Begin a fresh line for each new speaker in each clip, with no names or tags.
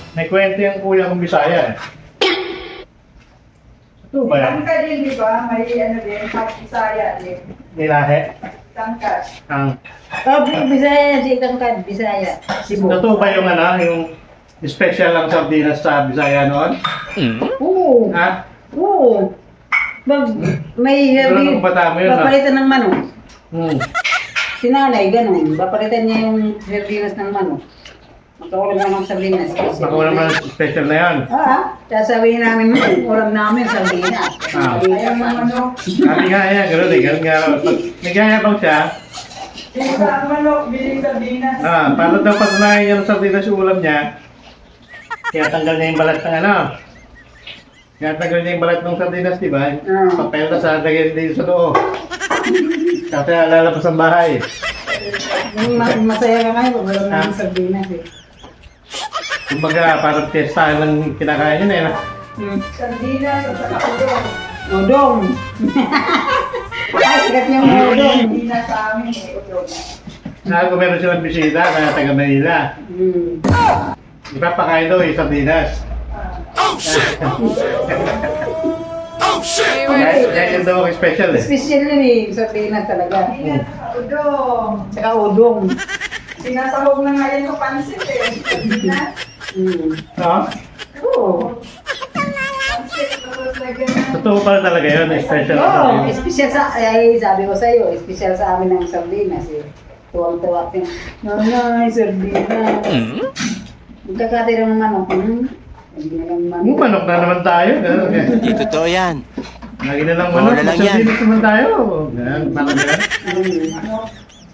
May kwento yung kuya kong Bisaya eh. Ito ba yan?
Tangkad din, di ba? May ano din, Bisaya din.
Nilahe?
Tangkad.
Ang...
Oh, Bisaya, si Tangkad, Bisaya. Cebu.
Ito ba yung ano, yung special lang sardinas sa Bisaya noon?
Oo.
Ha?
Oo. May
Siguro nung bata mo yun,
papalitan ng manok. Si nanay, ganun. Papalitan niya yung sardinas ng manok. Magkakulang lang ng sardinas.
Nakuha naman special na yan.
Sasabihin namin, ulam namin sardinas.
Ayaw mo manok.
Sabi nga yan, gano'n eh. Gano'n nga. Nagyayabang siya.
Hindi ka ang manok, biling sardinas.
Para daw patunayan niya ng sardinas yung ulam niya, kaya tanggal niya yung balat ng ano. Kaya tanggal niya yung balat ng sardinas, di ba? Papel na sa lagay dito sa loob. Kasi lalabas ang bahay.
Masaya ka ngayon, ulam namin sardinas eh.
Kumbaga, parang testa lang kinakain niya eh.
Sardinas at saka udong.
Udong. Ay, sikat yung udong.
Sardinas sa amin eh, udong.
Kung meron silang bisita, kaya taga Manila. Di ba, pakain daw yung sardinas. Kaya yun daw ang special eh.
Special yun eh, sardinas talaga.
Sardinas at udong.
Saka udong.
Sinasahog na nga yan sa pansit eh. Sardinas.
No?
Oo.
Pansit, tapos lagyan ng...
Totoo pala talaga yun, special ang
Oo,
sardinas.
special sa, ay sabi ko sa'yo, special sa amin ang sardinas eh. Tuwang-tuwa ko. Nanay, sardinas. Magkakatira ng manok. Hindi na lang manok.
Yung manok na naman tayo. Ganun, eh.
Hindi totoo yan.
Lagi na lang manok.
Wala lang yan.
Sardinas naman tayo. Ganun, parang ganun.
Manok.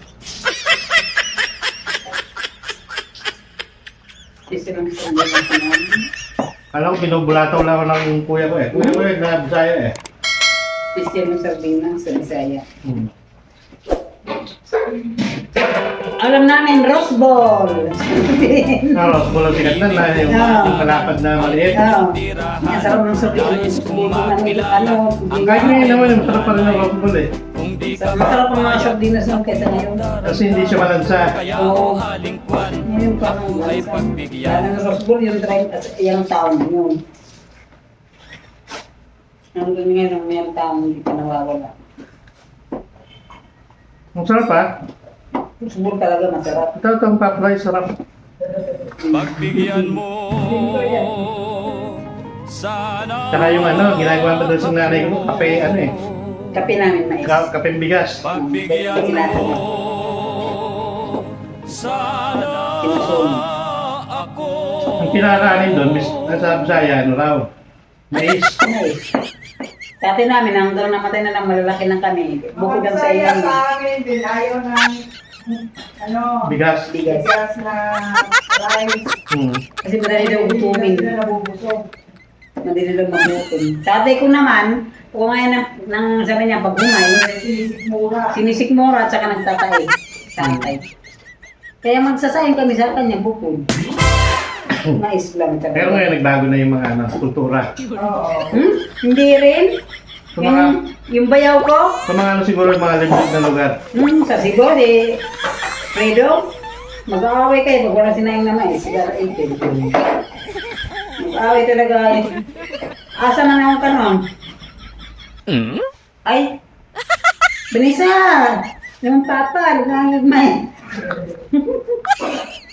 Special ang sardinas namin.
Alam ko, binubulataw lang ako ng kuya ko eh. Kuya ko eh, na Bisaya eh.
Special ang sardinas sa Bisaya. Alam namin, rose ball.
Aros, bulang sikat na na yung kalapad na maliit.
Oo. Ang sarap ng sardinas.
Kahit ngayon naman, yung sarap pa rin ng rose ball eh.
Masarap ang mga sardinas nung kaysa ngayon.
Kasi hindi siya malansa.
Oo. Ngayon parang lalo ng rose ball, yung taon yun. Hanggang ngayon, may taon hindi pa nawawala.
Ang sarap ha.
Rose ball talaga masarap.
Ito, itong papray, sarap.
Pagbigyan mo sana.
Tsaka yung ano, ginagawa pa doon sa nanay ko, kape, ano eh.
Kape namin mais.
Kapeng bigas.
Pagbigyan mo sana ako.
Ang pinakakanin doon, nasa Bisaya, ano raw? Mais.
Mais. Dati namin, hanggang namatay na lang malalaki ng kami. Bukod ang sa
Masaya
ilang.
sa amin din, ayaw ng ano,
Bigas.
Bigas.
bigas na rice.
Kasi madali daw gutumin.
Hindi na nabubusog.
Madali daw magutom. Tatay ko naman, kung ngayon nang sabi niya, pag humay,
Sinisikmura.
sinisikmura at saka nagtatay. Tatay. Kaya magsasayang kami sa kanya, bukod. Mais lang talaga.
Pero ngayon, nagbago na yung mga ano, kultura.
Oo.
Hindi rin.
Sa mga,
Yung bayaw ko,
sa mga ano siguro, mga limited na lugar.
sa siguro eh, Fredo, mag-aaway kayo pag wala sinayang na mais. Sigara 18. Mag-aaway talaga eh. Asa na naman ka nun? Ay! Benisa! Yung papa, nagmamagmay.